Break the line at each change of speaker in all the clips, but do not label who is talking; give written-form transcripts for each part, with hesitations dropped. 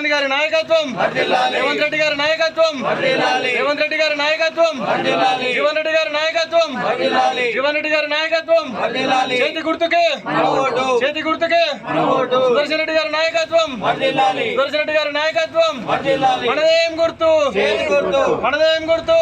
గాంధీ గారి నాయకత్వం, రేవంత్ రెడ్డి గారి నాయకత్వం, రేవంత్ రెడ్డి గారి నాయకత్వం, జీవన్ రెడ్డి గారి నాయకత్వం, జీవన్ రెడ్డి గారి నాయకత్వం, చేతి గుర్తుకే చేతి గుర్తుకే సుదర్శన్ రెడ్డి గారి నాయకత్వం, సుదర్శన్ రెడ్డి గారి నాయకత్వం, మనదేం గుర్తు మనదేం గుర్తు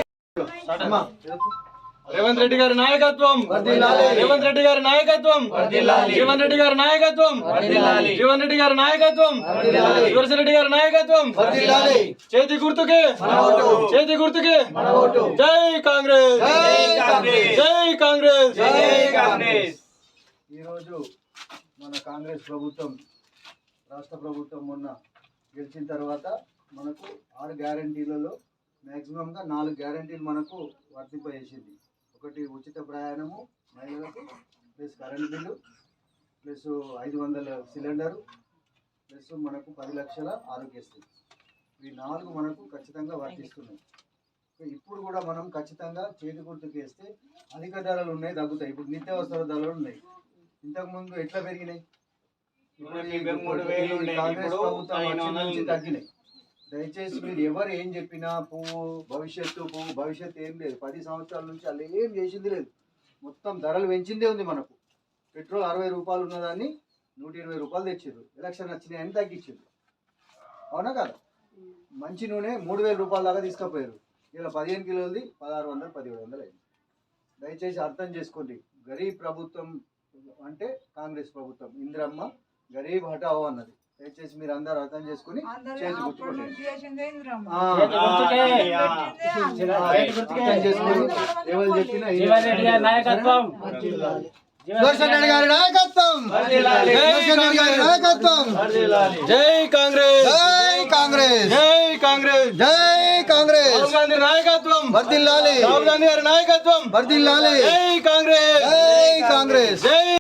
రేవంత్ రెడ్డి గారి నాయకత్వం, రేవంత్ రెడ్డి గారి నాయకత్వం, జీవన్ రెడ్డి గారి నాయకత్వం, జీవన్ రెడ్డి గారి నాయకత్వం, సుదర్శన్ రెడ్డి గారి నాయకత్వం, చేతి గుర్తుకే చేతి గుర్తుకే జై కాంగ్రెస్ జై కాంగ్రెస్ జై కాంగ్రెస్.
ఈరోజు మన కాంగ్రెస్ ప్రభుత్వం రాష్ట్ర ప్రభుత్వం మొన్న గెలిచిన తర్వాత మనకు 6 గ్యారంటీలలో మ్యాక్సిమంగా 4 గ్యారంటీలు మనకు వర్తింపజేసింది. ఒకటి ఉచిత ప్రయాణము మహిళలకు, plus current bill, plus 500 cylinder, plus మనకు 10 లక్షల ఆరోగ్యశ్రీ. ఈ 4 మనకు ఖచ్చితంగా వర్తిస్తున్నాయి. ఇప్పుడు కూడా మనం ఖచ్చితంగా చేతి గుర్తుకేస్తే అధిక ధరలు ఉన్నాయి, తగ్గుతాయి. ఇప్పుడు నిత్యావసర ధరలు ఉన్నాయి, ఇంతకుముందు ఎట్లా పెరిగినాయి? కాంగ్రెస్ ప్రభుత్వం వచ్చిన నుంచి తగ్గినాయి. దయచేసి మీరు ఎవరు ఏం చెప్పినా భవిష్యత్తు ఏం లేదు. 10 సంవత్సరాల నుంచి అలా ఏం చేసింది లేదు. మొత్తం ధరలు పెంచిందే ఉంది. మనకు పెట్రోల్ 60 రూపాయలు ఉన్నదాన్ని 120 రూపాయలు తెచ్చారు. ఎలక్షన్ వచ్చినాయని తగ్గించారు, అవునా కదా? మంచి నూనె 3000 రూపాయల దాకా తీసుకుపోయారు. ఇలా 15 కిలోలది 1600 1700 అయింది. దయచేసి అర్థం చేసుకోండి. గరీబ్ ప్రభుత్వం అంటే కాంగ్రెస్ ప్రభుత్వం. ఇందిరమ్మ గరీబ్ హటావో అన్నది. దయచేసి మీరు అందరూ అర్థం చేసుకుని చేతి గుర్తుకోండి. ఎవరు చెప్పినా సుదర్శన్ రెడ్డి గారి నాయకత్వం, సుదర్శన్ రెడ్డి గారి నాయకత్వం.
జై కాంగ్రెస్
జై కాంగ్రెస్
జై కాంగ్రెస్
జై కాంగ్రెస్.
రాహుల్ గాంధీ నాయకత్వం
వర్ధిల్లాలి,
రాహుల్ గాంధీ గారి నాయకత్వం
వర్ధిల్లాలి.
జై కాంగ్రెస్
జై కాంగ్రెస్.